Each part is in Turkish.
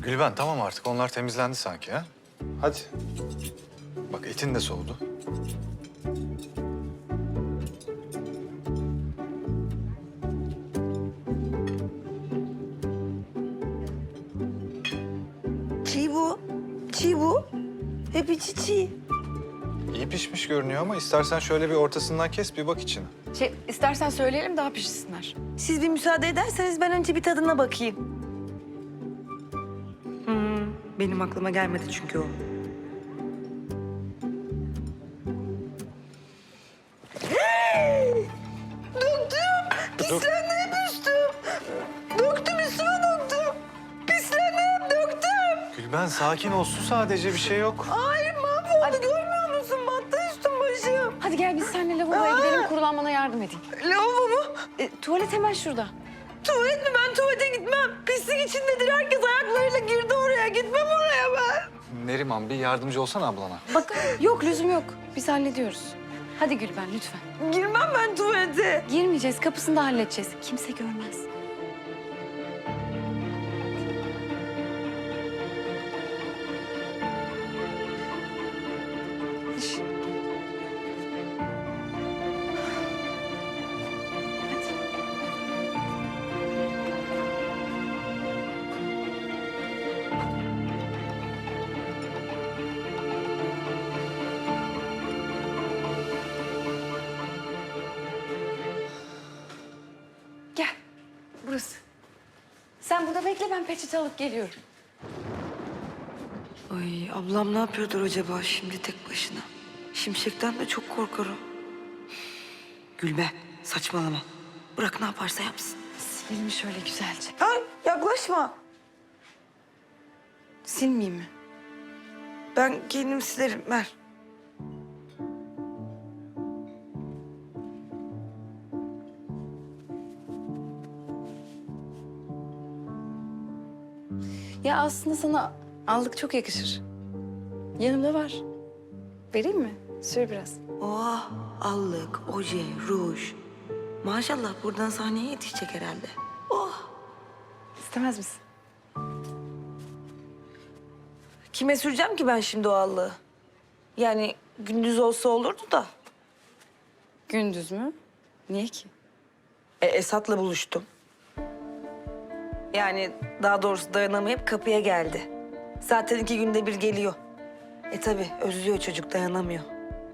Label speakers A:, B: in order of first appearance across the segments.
A: Gülben tamam artık onlar temizlendi sanki ha. Hadi. Bak etin de soğudu.
B: Çiğ bu. Çiğ bu. Hep içi çiğ.
A: İyi pişmiş görünüyor ama istersen şöyle bir ortasından kes bir bak içine.
C: İstersen söyleyelim daha pişirsinler.
B: Siz bir müsaade ederseniz ben önce bir tadına bakayım. Benim aklıma gelmedi çünkü o. Döktüm. Pislendi hep üstüm. Döktüm üstüme döktüm. Pislendi hep döktüm.
A: Gülben sakin ol su sadece bir şey yok.
B: Hayır mahvoldu görmüyor musun? Battı üstüm başım.
C: Hadi gel biz seninle lavaboya gidelim, kurulanmana yardım edeyim.
B: Lavabo mu?
C: Tuvalet hemen şurada.
B: Tuvalet mi? Ben tuvalete gitmem. Pislik içindedir. Herkes ayaklarıyla girdi oraya. Gitmem oraya ben.
A: Neriman bir yardımcı olsana ablana.
C: Bak yok lüzum yok. Biz hallediyoruz. Hadi Gülben lütfen.
B: Girmem ben tuvalete.
C: Girmeyeceğiz, kapısını da halledeceğiz. Kimse görmez. Gel. Burası. Sen burada bekle, ben peçete alıp geliyorum.
B: Ay ablam ne yapıyordur acaba şimdi tek başına? Şimşekten de çok korkar o. Gülbe saçmalama. Bırak ne yaparsa yapsın.
C: Silelim şöyle güzelce.
B: Ay yaklaşma.
C: Silmeyeyim mi?
B: Ben kendim silerim ver.
C: Ya aslında sana allık çok yakışır. Yanımda var. Vereyim mi? Sür biraz.
B: Oh allık, oje, ruj. Maşallah buradan sahneye yetişecek herhalde. Oh.
C: İstemez misin?
B: Kime süreceğim ki ben şimdi o allığı? Yani gündüz olsa olurdu da.
C: Gündüz mü? Niye ki?
B: Esat'la buluştum. Yani daha doğrusu dayanamayıp kapıya geldi. Zaten 2 günde bir geliyor. Tabii özlüyor çocuk dayanamıyor.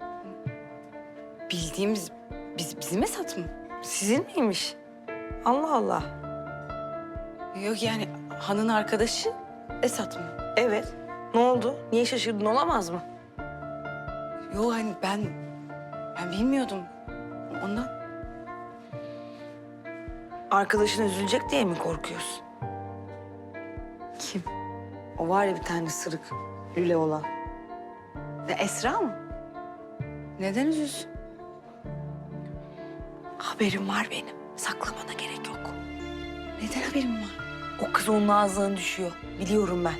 C: Bildiğimiz bizim Esat mı?
B: Sizin miymiş? Allah Allah.
C: Yok yani Han'ın arkadaşı Esat mı?
B: Evet. Ne oldu? Niye şaşırdın olamaz mı?
C: Yok hani ben bilmiyordum. Ondan.
B: Arkadaşın üzülecek diye mi korkuyorsun?
C: Kim?
B: O var ya bir tane sırık, lüle olan.
C: Esra mı? Neden üzülsün?
B: Haberim var benim. Saklamana gerek yok.
C: Neden haberim var?
B: O kız onun ağzına düşüyor. Biliyorum ben.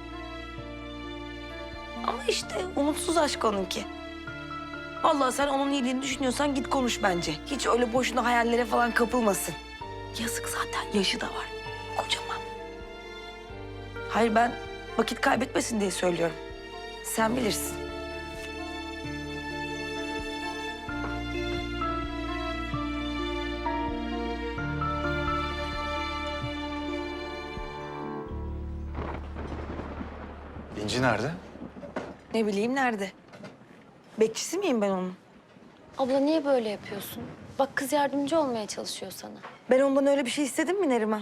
B: Ama işte umutsuz aşk onunki. Vallahi sen onun iyiliğini düşünüyorsan git konuş bence. Hiç öyle boşuna hayallere falan kapılmasın. Yazık zaten yaşı da var. Kocaman. Hayır ben vakit kaybetmesin diye söylüyorum. Sen bilirsin.
A: İnci nerede?
B: Ne bileyim nerede? Bekçisi miyim ben onun?
D: Abla niye böyle yapıyorsun? Bak kız yardımcı olmaya çalışıyor sana.
B: Ben ondan öyle bir şey istedim mi Neriman?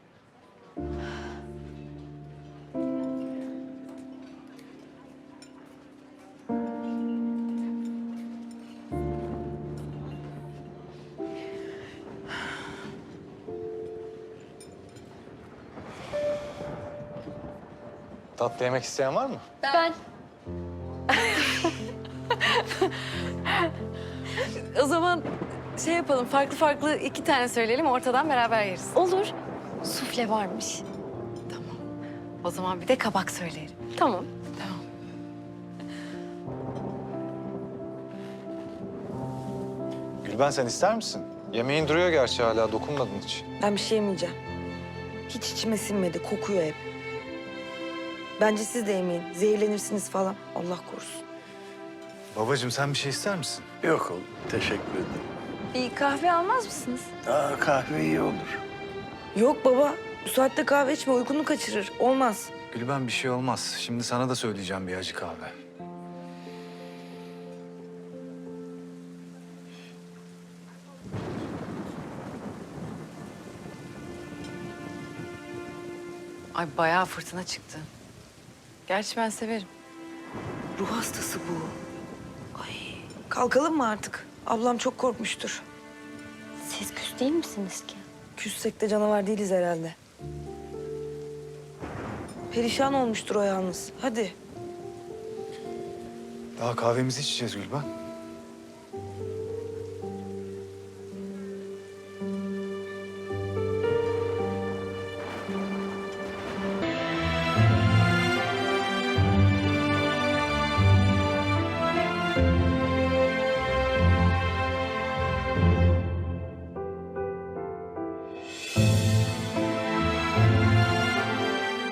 A: Tatlı yemek isteyen var mı?
D: Ben.
C: O zaman şey yapalım, farklı 2 tane söyleyelim, ortadan beraber yeriz.
D: Olur. Sufle varmış.
C: Tamam. O zaman bir de kabak söyleyelim.
D: Tamam.
C: Tamam.
A: Gülben sen ister misin? Yemeğin duruyor gerçi hala dokunmadın hiç.
B: Ben bir şey yemeyeceğim. Hiç içime sinmedi. Kokuyor hep. Bence siz de yemeyin. Zehirlenirsiniz falan. Allah korusun.
A: Babacığım sen bir şey ister misin?
E: Yok oğlum, teşekkür ederim.
C: Bir kahve almaz mısınız?
E: Kahve iyi olur.
B: Yok baba. Bu saatte kahve içme. Uykunu kaçırır. Olmaz.
A: Gülben bir şey olmaz. Şimdi sana da söyleyeceğim bir acı kahve.
C: Ay bayağı fırtına çıktı. Gerçi ben severim.
B: Ruh hastası bu. Ay. Kalkalım mı artık? Ablam çok korkmuştur.
D: Siz küs değil misiniz ki?
B: Küssek de canavar değiliz herhalde. Perişan olmuştur o yalnız. Hadi.
A: Daha kahvemizi içeceğiz Gülben.